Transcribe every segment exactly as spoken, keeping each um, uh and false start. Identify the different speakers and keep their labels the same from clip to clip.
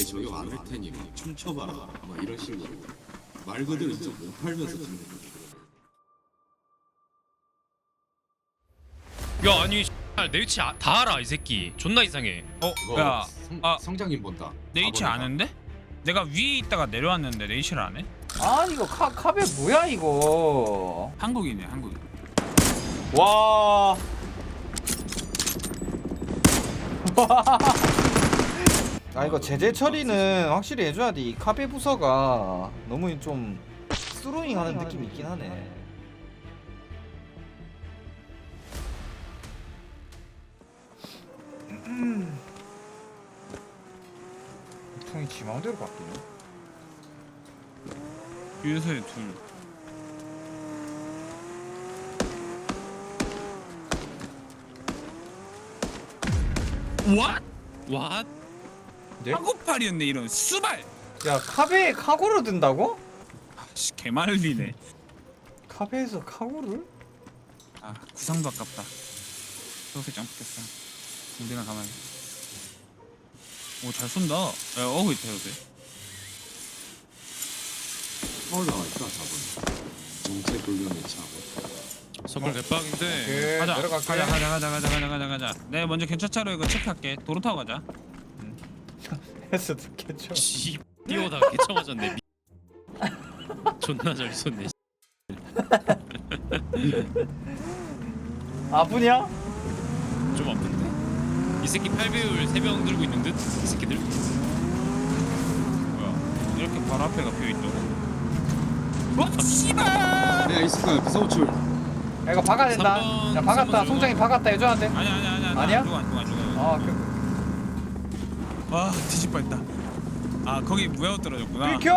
Speaker 1: 저격 안 할 테니 춤춰봐라 막 이런 식으로 말 그대로 진짜 못 팔면서 듣는 거지.
Speaker 2: 야 아니 내 위치 아, 다 알아 이 새끼. 존나 이상해.
Speaker 3: 어?
Speaker 1: 이거
Speaker 3: 야
Speaker 1: 성,
Speaker 3: 아,
Speaker 1: 성장님 본다.
Speaker 3: 내 위치
Speaker 1: 사 번에다.
Speaker 3: 아는데? 내가 위에 있다가 내려왔는데 내 위치를 안 해?
Speaker 4: 아니 이거 카 카베 뭐야 이거.
Speaker 3: 한국이네 한국인.
Speaker 4: 와. 아 이거 제재 처리는 확실히 해줘야 돼. 이 카베 부서가 너무 좀 스루잉하는 느낌이 있긴 하네. 음. 통이 지 마음대로 바뀌네.
Speaker 3: 유서에 둘. What?
Speaker 2: 와
Speaker 4: 네?
Speaker 3: 한국팔이었네 이런 수발.
Speaker 4: 야 카베에 카고를 든다고?
Speaker 3: 아씨 개말리네.
Speaker 4: 카베에서 카고를?
Speaker 3: 아 구상도 아깝다. 소세 점프겠다. 우리나 가만히. 오 잘 쏜다. 야 어그 있다 요새.
Speaker 1: 서울 나와 있다 사 번. 정체 불명의 차.
Speaker 2: 서클 개빡인데.
Speaker 4: 오케이
Speaker 3: 가자.
Speaker 4: 내려갈게.
Speaker 3: 가자 가자 가자 가자 가자 가자 가자. 내가 먼저 경찰차로 이거 체크할게. 도로 타고 가자.
Speaker 4: 해서 듣겠죠.
Speaker 2: 씨 뛰어다가 개쳐 맞았네. 미... 존나 잘 쏜네.
Speaker 4: 아프냐?
Speaker 2: 좀 아픈데. 이 새끼 팔 배율 세 병 들고 있는 듯. 이 새끼들.
Speaker 3: 뭐야? 이렇게 바로 앞에가 비어 있다고? 와 씨발!
Speaker 1: 내가 있을 거야 비서우출.
Speaker 4: 야 이거 박아야 된다.
Speaker 2: 삼 번,
Speaker 4: 야 박았다.
Speaker 2: 삼 번
Speaker 4: 송장이 박았다 해줘야 돼.
Speaker 3: 아니야 아니야 아니야.
Speaker 4: 아니야?
Speaker 3: 누가 누가 누가.
Speaker 4: 아 그.
Speaker 3: 아 뒤집 뻔했다. 아 거기 무야호 떨어졌구나.
Speaker 4: 비켜!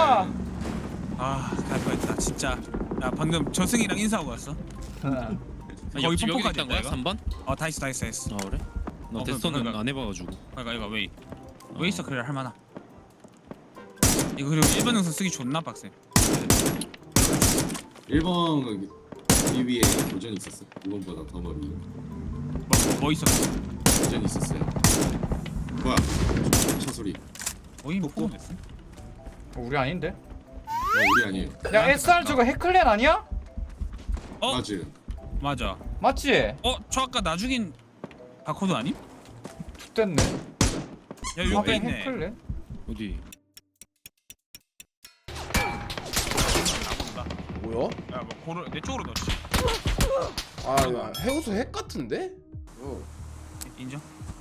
Speaker 3: 아 갈 뻔했다 진짜. 야 방금 저승이랑 인사하고 왔어.
Speaker 2: 아,
Speaker 3: 거의
Speaker 2: 옆집 여기
Speaker 3: pompo까지
Speaker 2: 있단 거야?
Speaker 3: 있다,
Speaker 2: 삼 번?
Speaker 3: 어다 했어 다 했어 했어.
Speaker 2: 아 그래? 나
Speaker 3: 어,
Speaker 2: 데스톤은
Speaker 3: 그러니까.
Speaker 2: 안 해봐가지고.
Speaker 3: 그러니까 이거 웨이. 웨이 서클이라 할 만하. 이거 그리고 일반 능선 쓰기 존나 빡세.
Speaker 1: 일 번 위 위에 도전이 있었어. 이 번보다 더 머리.
Speaker 3: 뭐, 뭐, 뭐 있어?
Speaker 1: 도전이 있었어요. 뭐야? 차 소리.
Speaker 3: 어이 뭐 포함됐어?
Speaker 4: 어, 우리 아닌데?
Speaker 1: 어, 우리 아니에요.
Speaker 4: 야 에스알 저거 해클랜 아니야?
Speaker 3: 어
Speaker 1: 맞지?
Speaker 3: 맞아.
Speaker 4: 맞지?
Speaker 3: 어 저 아까 나 죽인 바코드 아님?
Speaker 4: 됐네.
Speaker 3: 야 여기
Speaker 4: 카베
Speaker 3: 있네.
Speaker 4: 해클랜?
Speaker 2: 어디?
Speaker 5: 뭐야?
Speaker 3: 야뭐 고를 내 쪽으로 넣지.
Speaker 5: 아 이거 해우소 핵 같은데? 어.
Speaker 3: 인정?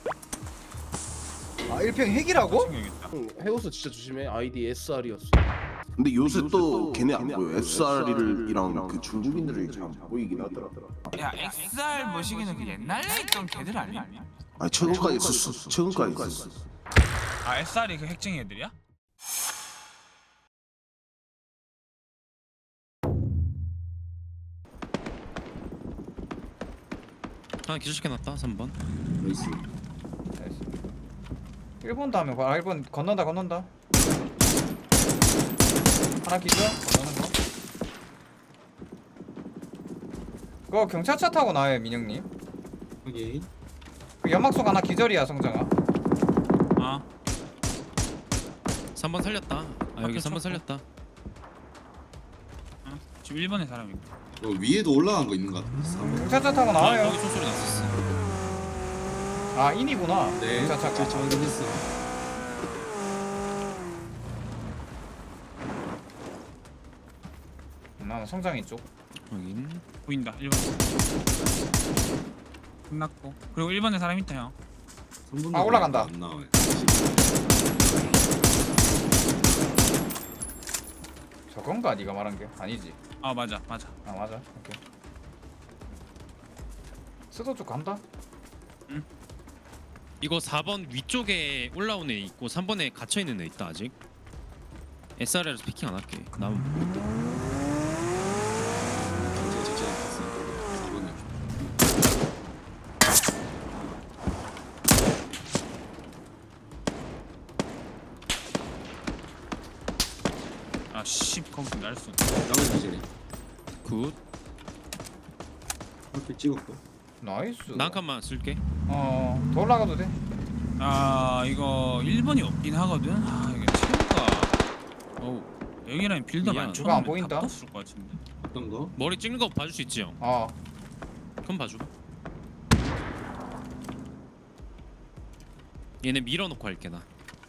Speaker 4: 아 일평 핵이라고?
Speaker 3: 챙겨야겠다.
Speaker 5: 응, 해우소 진짜 조심해. 아이디 에스알이었어.
Speaker 6: 근데 요새 또 걔네 안 보여. 에스알이랑 그 중국인들이 잘 보이긴 하더라.
Speaker 3: 야 엑스알 머시기는 그 옛날에 있던 걔들 아니야?
Speaker 6: 아니 최근까지 있었어. 최근까지 있었어.
Speaker 3: 아 에스알이 그 핵쟁이 애들이야?
Speaker 2: 하나 기절시켜놨다 삼 번.
Speaker 1: 나이스.
Speaker 4: 일 번 다음에 봐. 아, 일 번 건넌다 건넌다. 하나 기절? 건너는 거. 그거 경찰차 타고 나와요 민영님.
Speaker 1: 확인.
Speaker 4: 그 연막속 하나 기절이야 성장아.
Speaker 3: 아
Speaker 2: 삼 번 살렸다. 아 여기
Speaker 3: 앞에
Speaker 2: 삼 번
Speaker 3: 쳤고.
Speaker 2: 살렸다.
Speaker 3: 어? 지금 일 번에 사람 있고.
Speaker 1: 어, 위에도 올라간 거 있는 거 같은데. 사 번.
Speaker 4: 경찰차 타고
Speaker 2: 아
Speaker 4: 나와요.
Speaker 2: 여기 총소리 났었어.
Speaker 4: 아 인이구나.
Speaker 1: 네.
Speaker 4: 경찰차가.
Speaker 1: 저 확인했어.
Speaker 4: 나는 성장이 쪽.
Speaker 2: 확인.
Speaker 3: 보인다 일 번. 끝났고. 그리고 일 번에 사람 있다 형.
Speaker 1: 삼 번
Speaker 4: 아, 올라간다.
Speaker 1: 안 나와요.
Speaker 4: 저건가 네가 말한 게 아니지.
Speaker 3: 아 맞아 맞아.
Speaker 4: 아 맞아. 오케이. 스도 쪽 간다.
Speaker 2: 이거 사 번 위쪽에 올라온 애 있고 삼 번에 갇혀있는 애 있다 아직. 에스알에서 피킹 안 할게. 나무
Speaker 1: 경찰 직진 갔어. 사 번에.
Speaker 3: 아씨 거기서 날 쏜.
Speaker 1: 나머지 기절이.
Speaker 2: 굿.
Speaker 1: 이렇게 찍었고.
Speaker 4: 나이스.
Speaker 2: 나 한 칸만 쓸게.
Speaker 4: 어, 더 올라가도 돼.
Speaker 3: 아 이거 일 번이 없긴 하거든. 아 이게 체우가 어우 여기랑 빌드가
Speaker 2: 미안.
Speaker 3: 안
Speaker 4: 누가 안
Speaker 3: 쳐놓으면
Speaker 4: 보인다?
Speaker 3: 답도 없을 것 같은데.
Speaker 1: 어떤 거?
Speaker 2: 머리 찍는 거 봐줄 수 있지 형?
Speaker 4: 어
Speaker 2: 그럼 봐줘. 얘네 밀어놓고 할게 나.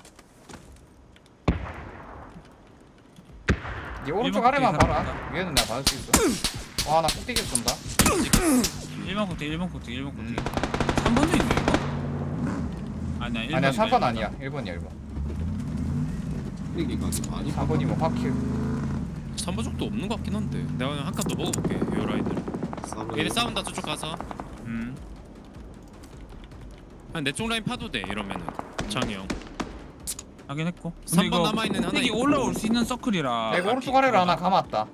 Speaker 4: 네 오른쪽
Speaker 3: 일번
Speaker 4: 아래만
Speaker 3: 꼭대기
Speaker 4: 봐라.
Speaker 3: 사람이다.
Speaker 4: 위에는 내가 받을 수 있어. 와 나 꼭대기 쏜다.
Speaker 3: 일 번 꼭대기 일 번 꼭대기 일 번 꼭대기.
Speaker 4: 음.
Speaker 3: 삼 번도 있네 이거? 아니야 일 번.
Speaker 4: 아니야 삼 번 아니야. 일 번이야 일 번.
Speaker 1: 이게 많이
Speaker 4: 삼 번이면 확킬.
Speaker 2: 삼 번 정도 없는 것 같긴 한데. 내가 그냥 한 칸 더 먹어볼게. 요 라인들.
Speaker 1: 삼
Speaker 2: 얘네 싸운다 저쪽 가서.
Speaker 3: 음.
Speaker 2: 한 내 쪽 라인 파도 돼 이러면은. 장이 형.
Speaker 3: 하긴 했고.
Speaker 2: 삼 번 남아있는 하나
Speaker 3: 이게
Speaker 2: 있고.
Speaker 3: 올라올 수 있는 서클이라.
Speaker 4: 내가 오른쪽 아래로 하나 감았다.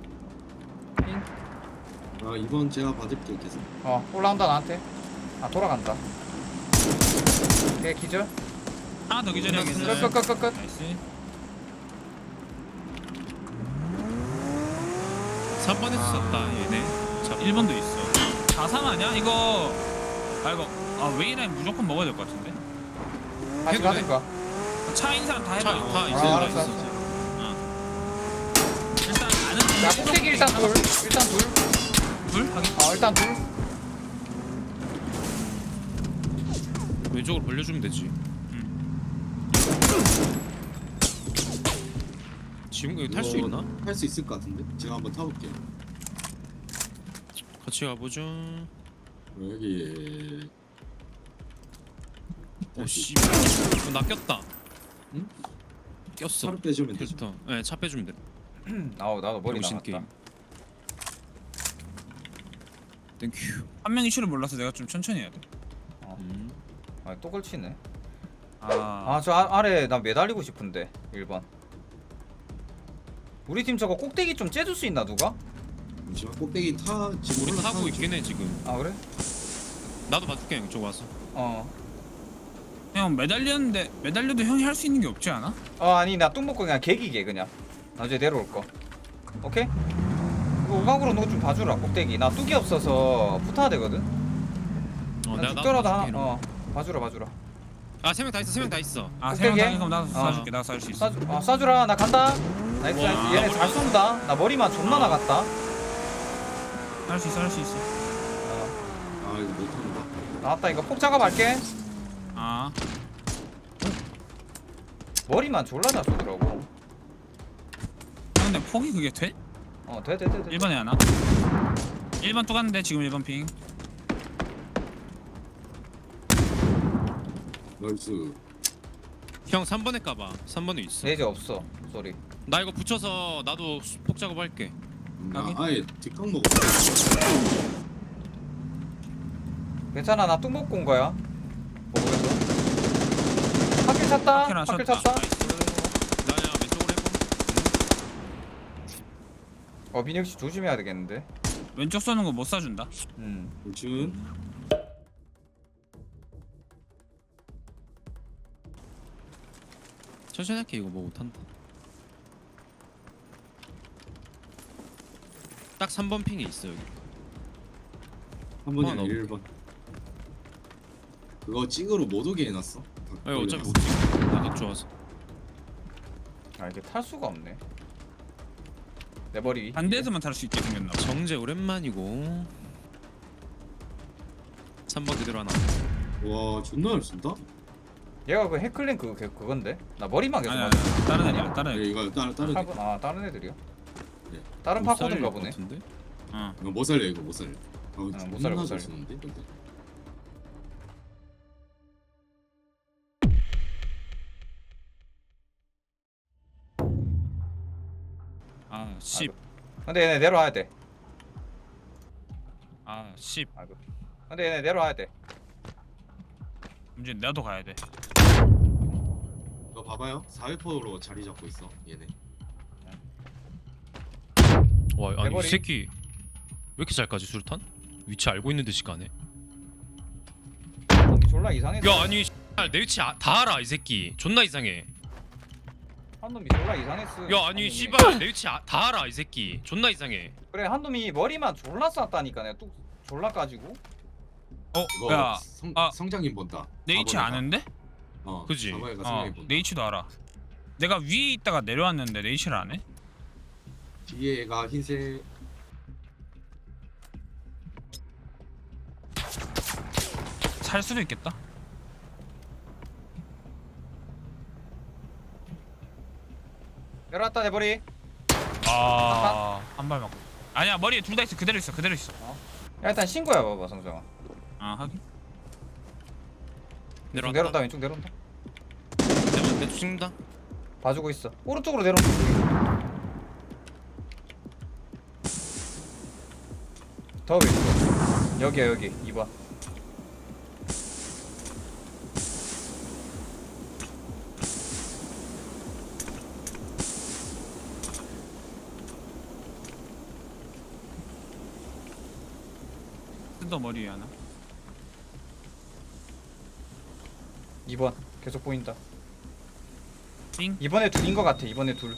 Speaker 1: 아 이번 제가 받을게 계속.
Speaker 4: 어 올라온다 나한테. 아 돌아간다. 오케이 기절.
Speaker 3: 하나 더 기절이야.
Speaker 4: 끝끝끝끝.
Speaker 3: 나이스.
Speaker 2: 삼 번에서 쐈다 얘네. 자,
Speaker 3: 일 번도 있어. 사 삼 아니야? 이거 아 이거 아 웨이라인 무조건 먹어야 될 것 같은데.
Speaker 4: 다시
Speaker 2: 해도 돼?
Speaker 4: 가든가.
Speaker 3: 차 있는 사람 다 해봐.
Speaker 2: 차,
Speaker 3: 이거.
Speaker 2: 다 있어.
Speaker 4: 아,
Speaker 2: 다
Speaker 4: 알았어,
Speaker 2: 있어.
Speaker 3: 일단 아는
Speaker 4: 야 꼭대기 일단 둘. 일단 둘.
Speaker 3: 둘 하긴.
Speaker 4: 어 일단 둘.
Speaker 2: 왼쪽으로 벌려주면 되지. 지금 이거 탈 수 있나?
Speaker 1: 탈 수 있을 것 같은데. 제가 한번 타볼게요.
Speaker 2: 같이 가보죠.
Speaker 1: 여기
Speaker 2: 오씨. 어, 나 꼈다.
Speaker 1: 응?
Speaker 2: 꼈어.
Speaker 1: 차로 빼주면 되죠.
Speaker 2: 캐스터. 네, 차 빼주면 돼.
Speaker 4: 아우 나도 머리
Speaker 2: 병신
Speaker 4: 나갔다.
Speaker 2: 게임. 땡큐.
Speaker 3: 한 명이 실을 몰라서 내가 좀 천천히 해야 돼.
Speaker 2: 음.
Speaker 4: 아또 걸치네.
Speaker 3: 아,
Speaker 4: 아 저 아래 나 매달리고 싶은데 일 번. 우리 팀 저거 꼭대기 좀 째줄 수 있나 누가?
Speaker 1: 잠시만 꼭대기 타 지금
Speaker 2: 우리
Speaker 1: 올라타고
Speaker 2: 타고
Speaker 1: 있죠?
Speaker 2: 있긴 해 지금.
Speaker 4: 아 그래?
Speaker 2: 나도 봐줄게 형 이쪽 와서.
Speaker 4: 어.
Speaker 3: 형 매달렸는데 매달려도 형이 할 수 있는 게 없지 않아?
Speaker 4: 어 아니 나 뚱 먹고 그냥 개기게 그냥. 나중에 내려올 거. 오케이? 이거 우각으로 너 좀 봐주라 꼭대기. 나 뚝이 없어서 붙어야 되거든.
Speaker 2: 어,
Speaker 4: 난
Speaker 2: 내가
Speaker 4: 죽더라도
Speaker 2: 나도
Speaker 4: 하나.
Speaker 2: 봐줄게, 이러면.
Speaker 4: 어 봐주라 봐주라.
Speaker 2: 아세 명 다 있어 세 명 다 있어.
Speaker 3: 아, 세명
Speaker 4: 꼭대기에?
Speaker 3: 당해 그럼 나도
Speaker 2: 어.
Speaker 3: 쏴줄게. 나도 쏴줄 수 있어.
Speaker 4: 쏴주, 아, 쏴주라 나 간다. 나이스
Speaker 2: 와,
Speaker 4: 나이스. 얘네
Speaker 2: 머리
Speaker 4: 잘 쏜다. 나 머리만 존나
Speaker 2: 어.
Speaker 4: 나갔다.
Speaker 3: 할 수 있어, 할 수 있어.
Speaker 4: 어.
Speaker 1: 아 이거 못한다.
Speaker 4: 나왔다 이거 폭 작업할게.
Speaker 3: 아,
Speaker 4: 머리만 졸라 잘 쏘더라고.
Speaker 3: 형 근데 폭이 그게 돼?
Speaker 4: 어돼 돼 돼 돼.
Speaker 3: 일 번에 하나. 일 번 또 갔는데 지금 일 번 핑.
Speaker 1: 나이스.
Speaker 2: 형 삼 번에 까봐. 삼 번에 있어.
Speaker 4: 레이저 없어. 쏘리.
Speaker 2: 나 이거 붙여서 나도 수- 폭 작업할게.
Speaker 1: 나
Speaker 3: 여기?
Speaker 1: 아예 뒷각 먹어.
Speaker 4: 괜찮아 나 뚱 먹고 온 거야. 먹으면서. 학길 찼다.
Speaker 3: 학길 하나
Speaker 4: 학길
Speaker 3: 쳤다.
Speaker 4: 찼다.
Speaker 2: 나 그냥 왼쪽으로 해봐.
Speaker 4: 어 민혁 씨 조심해야 되겠는데.
Speaker 3: 왼쪽 쏘는 거 못 쏴준다.
Speaker 4: 음.
Speaker 1: 준.
Speaker 2: 천천히 할게 이거 뭐 못한다. 딱 삼 번 핑에 있어 여기.
Speaker 1: 한 번이
Speaker 2: 어,
Speaker 1: 아니라
Speaker 2: 나도.
Speaker 1: 일 번. 그거 찍으로 못 오게 해놨어.
Speaker 2: 아니 어차피 못 찍어. 나도 좋아서.
Speaker 4: 아 이게 탈 수가 없네. 내 머리 위.
Speaker 3: 반대에서만 탈 수 있게 생겼나 봐.
Speaker 2: 정재 오랜만이고. 삼 번 그대로 하나.
Speaker 1: 와 존나 잘 쏜다.
Speaker 4: 얘가 그 해클린 그 그- 그건데. 나 머리만 계속
Speaker 3: 아니,
Speaker 4: 맞아.
Speaker 3: 아니, 다른 애들, 다른
Speaker 1: 네,
Speaker 3: 애들.
Speaker 1: 이거 다른 다른
Speaker 4: 팔 번- 아 다른 애들이야.
Speaker 1: 네.
Speaker 4: 다른
Speaker 2: 못
Speaker 4: 파코든가
Speaker 2: 살릴 것
Speaker 4: 보네.
Speaker 2: 같은데?
Speaker 3: 어.
Speaker 1: 이거 못 살려 이거 못 살려. 아,
Speaker 4: 못
Speaker 1: 존나
Speaker 4: 살려, 못
Speaker 1: 잘
Speaker 4: 살려.
Speaker 1: 쏘는데 근데.
Speaker 3: 아, 십.
Speaker 4: 근데 얘네 내려와야 돼.
Speaker 3: 아, 십.
Speaker 4: 아이고. 근데 얘네 내려와야 돼.
Speaker 3: 문제 나도 가야 돼.
Speaker 1: 너 봐봐요. 사회포로 자리 잡고 있어 얘네.
Speaker 2: 와 아니
Speaker 4: 대머리.
Speaker 2: 이 새끼 왜 이렇게 잘 까지 수류탄? 위치 알고 있는 듯이 가네.
Speaker 4: 졸라 이상했어.
Speaker 2: 야 아니 X발, 내 위치 아, 다 알아 이 새끼. 존나 이상해.
Speaker 4: 한 놈이 졸라 이상했어.
Speaker 2: 야
Speaker 4: 한
Speaker 2: 아니
Speaker 4: 놈이.
Speaker 2: 씨발 내 위치 아, 다 알아 이 새끼. 존나 이상해.
Speaker 4: 그래 한 놈이 머리만 졸라 쐈다니까 내가 뚝 졸라 까지고.
Speaker 3: 어,
Speaker 1: 이거
Speaker 3: 야,
Speaker 1: 성,
Speaker 3: 아.
Speaker 1: 성장님 본다.
Speaker 3: 내 위치
Speaker 1: 사 번에다.
Speaker 3: 아는데?
Speaker 1: 어
Speaker 2: 그지?
Speaker 1: 사바이가
Speaker 3: 어
Speaker 1: 생각해 본다.
Speaker 3: 네이치도 알아. 내가 위에 있다가 내려왔는데 네이치를 안 해?
Speaker 1: 뒤에가 흰색.
Speaker 3: 살 수도 있겠다.
Speaker 4: 내려왔다 내 머리.
Speaker 3: 아한 발 맞고. 아니야 머리에 둘 다 있어. 그대로 있어. 그대로 있어.
Speaker 4: 야 일단 신고해 봐봐 성정아.
Speaker 3: 아 하긴.
Speaker 4: 왼쪽
Speaker 2: 내려왔다.
Speaker 4: 내려온다 왼쪽 내려온다.
Speaker 2: 내가 내 죽는다.
Speaker 4: 봐주고 있어. 오른쪽으로 내려온다. 더 왼쪽. 여기야 여기 이 번.
Speaker 3: 뜯어 머리 위에 하나.
Speaker 4: 이 번 계속 보인다.
Speaker 3: 띵.
Speaker 4: 이번에 둘인 것 같아. 이번에 둘.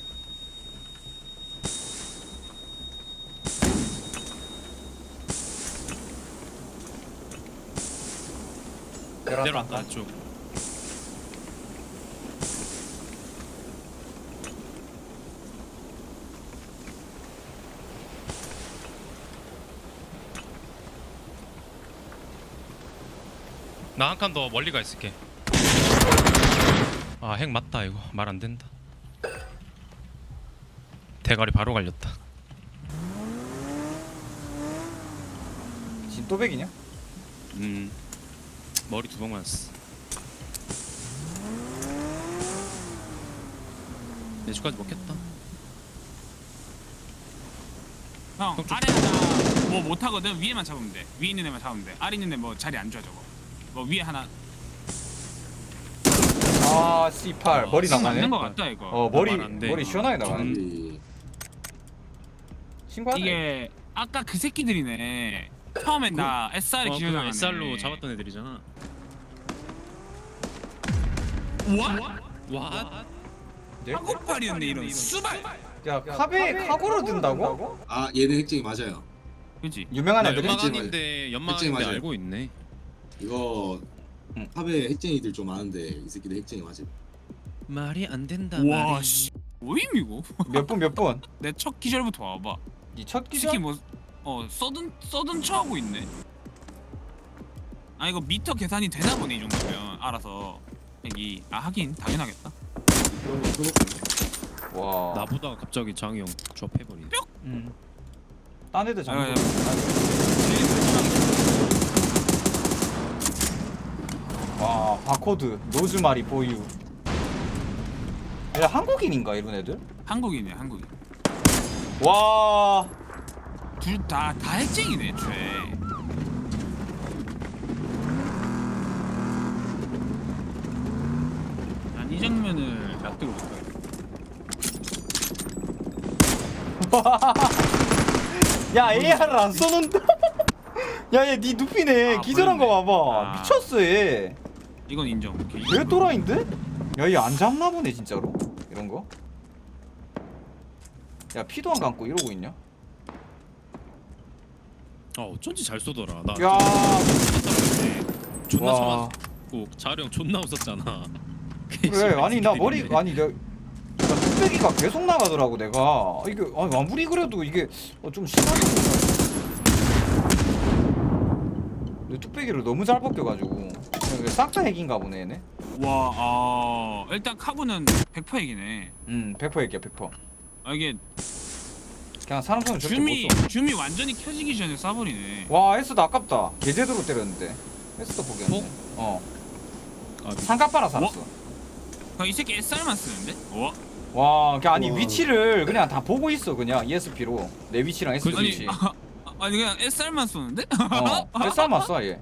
Speaker 4: 내려왔다.
Speaker 2: 내려왔다 쭉. 나 한 칸 더 멀리 가 있을게. 아 핵 맞다 이거 말 안 된다. 대가리 바로 갈렸다.
Speaker 4: 진또백이냐?
Speaker 2: 음 머리 두 방 맞았어. 내주까지 먹겠다.
Speaker 3: 형
Speaker 2: 형 좀-
Speaker 3: 아래 하나 뭐 못하거든. 위에만 잡으면 돼. 위에 있는 애만 잡으면 돼. 아래 있는 애 뭐 자리 안 좋아 저거. 뭐 위에 하나
Speaker 4: 아 씨팔 머리
Speaker 3: 지금
Speaker 4: 나가네.
Speaker 3: 맞는 거 같다 이거.
Speaker 4: 어 머리
Speaker 2: 말안 돼,
Speaker 4: 머리
Speaker 2: 이거.
Speaker 4: 시원하게 나가네.
Speaker 1: 음.
Speaker 4: 신고하네.
Speaker 3: 이게 아까 그 새끼들이네. 처음엔 나 에스알에
Speaker 2: 어, 그
Speaker 3: 기절당하네.
Speaker 2: 에스알로 잡았던 애들이잖아.
Speaker 3: 와?
Speaker 2: 와?
Speaker 4: 네?
Speaker 3: 한국팔이었네 이런 수발.
Speaker 4: 야 카베 카고로 든다고?
Speaker 1: 아 얘네 핵쟁이 맞아요.
Speaker 3: 그지?
Speaker 4: 유명한
Speaker 2: 나
Speaker 4: 애들이?
Speaker 2: 연막아닌데 연막아닌데
Speaker 1: 맞아요.
Speaker 2: 알고 있네.
Speaker 1: 이거
Speaker 4: 응.
Speaker 1: 팝에 핵쟁이들 좀 많은데 이 새끼들 핵쟁이 맞아.
Speaker 2: 말이 안 된다.
Speaker 3: 와
Speaker 2: 말이.
Speaker 3: 씨. 뭐임 이거?
Speaker 4: 몇 분 몇 분?
Speaker 3: 내 첫 기절부터 와봐.
Speaker 4: 이첫
Speaker 3: 특히
Speaker 4: 기절?
Speaker 3: 뭐어 써든 써든 척하고 있네. 아 이거 미터 계산이 되나 보네 이 정도면 알아서 여기 아 하긴 당연하겠다.
Speaker 1: 그런 거 써놓고.
Speaker 4: 와.
Speaker 2: 나보다 갑자기 장이 형 조합해버리네.
Speaker 4: 음. 딴 애들
Speaker 3: 아,
Speaker 4: 잡는
Speaker 3: 야,
Speaker 4: 거. 와 바코드 로즈마리 보유. 야 한국인인가 이런 애들?
Speaker 3: 한국인이야 한국인.
Speaker 4: 와.
Speaker 3: 둘 다 다 핵쟁이네 애초에. 난 이 장면을 납득을 못해.
Speaker 4: 야 에이알을 안 쏘는데? 야얘 니 눕히네.
Speaker 3: 아,
Speaker 4: 기절한 거
Speaker 3: 보였네.
Speaker 4: 봐봐.
Speaker 3: 아.
Speaker 4: 미쳤어 얘.
Speaker 3: 이건 인정. 오케이.
Speaker 4: 왜 또라이인데? 야 얘 안 잡나 보네 진짜로. 이런 거. 야 피도 안 감고 이러고 있냐?
Speaker 2: 아 어쩐지 잘 쏘더라. 나
Speaker 4: 야.
Speaker 2: 존나
Speaker 4: 와.
Speaker 2: 쳐맞고 자루 형 존나 웃었잖아.
Speaker 4: 그래 아니 나 머리 아니 내가 나 뚝배기가 계속 나가더라고 내가. 이게 아니 아무리 그래도 이게 어, 좀 심하게 내 뚝배기를 너무 잘 벗겨가지고 싹 다 핵인가 보네 얘네.
Speaker 3: 와, 아 일단 카고는 백 퍼센트 얘기네.
Speaker 4: 음 백 퍼센트 핵이야 백 퍼센트.
Speaker 3: 아 이게
Speaker 4: 그냥 사람 손은 절대
Speaker 3: 줌이
Speaker 4: 못 써.
Speaker 3: 줌이 완전히 켜지기 전에 쏴버리네.
Speaker 4: 와 에스도 아깝다. 개제대로 때렸는데 에스도 포기했네. 어
Speaker 2: 아,
Speaker 4: 상가빠라 살았어.
Speaker 3: 아, 이 새끼 에스알만 쓰는데? 어?
Speaker 4: 와 그냥 아니
Speaker 1: 우와.
Speaker 4: 위치를 그냥 다 보고 있어 그냥 이에스피로 내 위치랑 에스
Speaker 3: 아니
Speaker 4: 위치.
Speaker 3: 아, 아니 그냥 에스알만 쏘는데?
Speaker 4: 어 에스알만 써 얘.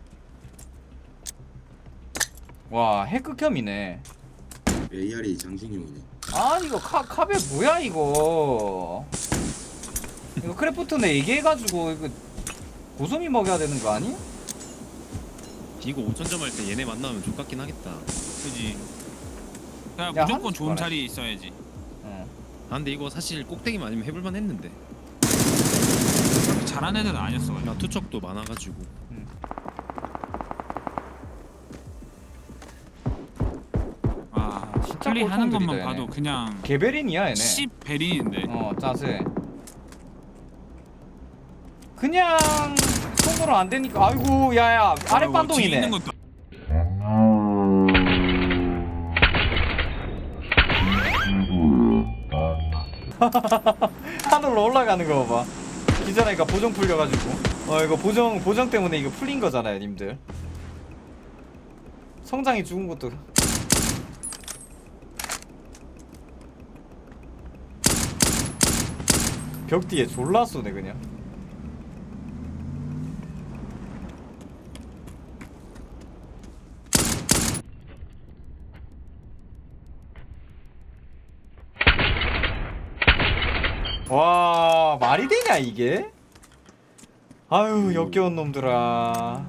Speaker 4: 와 핵극혐이네.
Speaker 1: 에이알이 장신용이네.
Speaker 4: 아니 이거 카 카베 뭐야 이거. 이거 크래프트네 얘기해가지고 이거 고소미 먹여야 되는 거 아니?
Speaker 2: 이거 오천 점 할 때 얘네 만나면 족같긴 하겠다.
Speaker 3: 그지. 야,
Speaker 4: 야,
Speaker 3: 무조건
Speaker 4: 한
Speaker 3: 좋은
Speaker 4: 숟가락.
Speaker 3: 자리에 있어야지.
Speaker 4: 응.
Speaker 2: 아 근데 이거 사실 꼭대기만 아니면 해볼만 했는데
Speaker 3: 그렇게 잘하는 애들은 아니었어.
Speaker 2: 나 투척도 많아가지고.
Speaker 3: 플레이하는 것만
Speaker 4: 꼴통들이다,
Speaker 3: 봐도
Speaker 4: 얘네.
Speaker 3: 그냥
Speaker 4: 개베린이야 얘네.
Speaker 3: 십 베린인데.
Speaker 4: 어 짜세. 그냥 손으로 안 되니까. 아이고 야야 아래
Speaker 3: 뭐 뒤에
Speaker 4: 반동이네.
Speaker 3: 있는 것도
Speaker 4: 하늘로 올라가는 거 봐봐. 기자니까 보정 풀려가지고. 어 이거 보정 보정 때문에 이거 풀린 거잖아요, 님들. 성장이 죽은 것도. 벽 뒤에 졸라 쏘네 그냥. 와 말이 되냐 이게? 아유 역겨운 놈들아.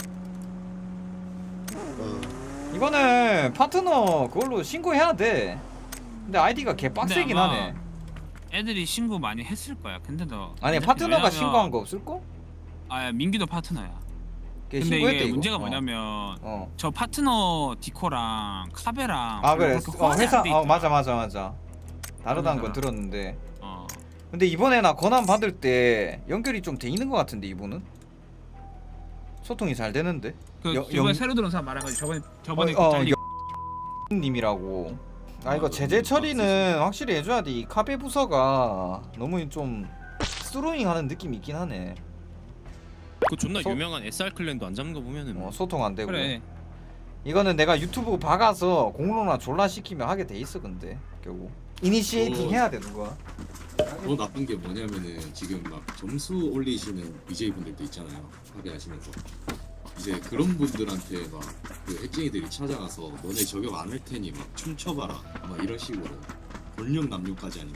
Speaker 4: 이거는 파트너 그걸로 신고해야 돼. 근데 아이디가 개 빡세긴
Speaker 3: 근데 아마
Speaker 4: 하네.
Speaker 3: 애들이 신고 많이 했을 거야. 근데 너
Speaker 4: 아니
Speaker 3: 어차피
Speaker 4: 파트너가
Speaker 3: 왜냐면-
Speaker 4: 신고한 거 없을걸?
Speaker 3: 아 민기도 파트너야.
Speaker 4: 걔
Speaker 3: 근데
Speaker 4: 신고했대,
Speaker 3: 이게
Speaker 4: 이거.
Speaker 3: 문제가
Speaker 4: 어.
Speaker 3: 뭐냐면
Speaker 4: 어.
Speaker 3: 저 파트너 디코랑 카베랑
Speaker 4: 아 그래.
Speaker 3: 그렇게
Speaker 4: 어,
Speaker 3: 호환이
Speaker 4: 회사
Speaker 3: 안돼
Speaker 4: 어
Speaker 3: 있더라.
Speaker 4: 맞아 맞아 맞아. 다르다는 건
Speaker 3: 그러잖아.
Speaker 4: 들었는데.
Speaker 3: 어.
Speaker 4: 근데 이번에 나 권한 받을 때 연결이 좀 돼 있는 것 같은데 이분은 소통이 잘 되는데.
Speaker 3: 그
Speaker 4: 여-
Speaker 3: 이번에
Speaker 4: 영-
Speaker 3: 새로 들어온 사람 말한 거지. 저번에 저번에
Speaker 4: 어, 어,
Speaker 3: 잘리.
Speaker 4: 님이라고. 아 이거
Speaker 1: 맞아.
Speaker 4: 제재 처리는 확실히 해줘야 돼. 이 카베 부서가 너무 좀 스로잉하는 느낌이 있긴 하네.
Speaker 2: 그 존나
Speaker 4: 소-
Speaker 2: 유명한 에스알 클랜도 안 잡는 거 보면은
Speaker 4: 어, 소통 안 되고.
Speaker 3: 그래.
Speaker 4: 이거는 내가 유튜브 박아서 공로나 졸라 시키면 하게 돼 있어. 근데 결국 이니시에이팅
Speaker 1: 어.
Speaker 4: 해야 돼 누가.
Speaker 1: 더 나쁜 게 뭐냐면은 지금 막 점수 올리시는 비제이 분들도 있잖아요. 합의하시면서 이제 그런 분들한테 막 그 핵쟁이들이 찾아가서 너네 저격 안 할 테니 막 춤춰봐라 막 이런 식으로 권력 남용까지 하니까.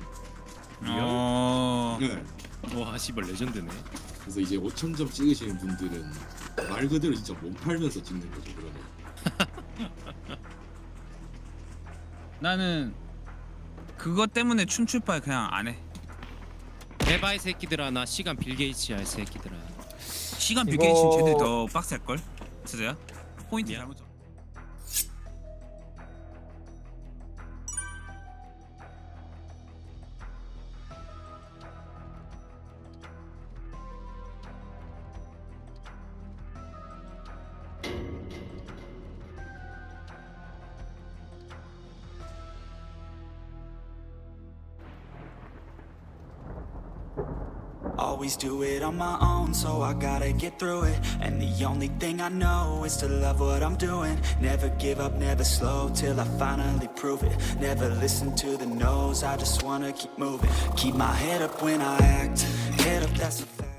Speaker 3: 어.
Speaker 1: 네.
Speaker 2: 와 씨발 레전드네.
Speaker 1: 그래서 이제 오천 점 찍으시는 분들은 말 그대로 진짜 몸 팔면서 찍는 거죠. 그러면.
Speaker 3: 나는 그것 때문에 춤출 바에 그냥 안 해.
Speaker 2: 대바이 새끼들아 나 시간 빌게이츠야 이 새끼들아.
Speaker 3: 시간
Speaker 4: 이거-
Speaker 3: 비게이션 쟤들 더 빡셀 걸? 진짜야? 포인트
Speaker 2: 미안.
Speaker 3: 잘못 잡.
Speaker 7: Always do it on my own, so I gotta get through it. And the only thing I know is to love what I'm doing. Never give up, never slow, till I finally prove it. Never listen to the no's, I just wanna keep moving. Keep my head up when I act, head up, that's a fact.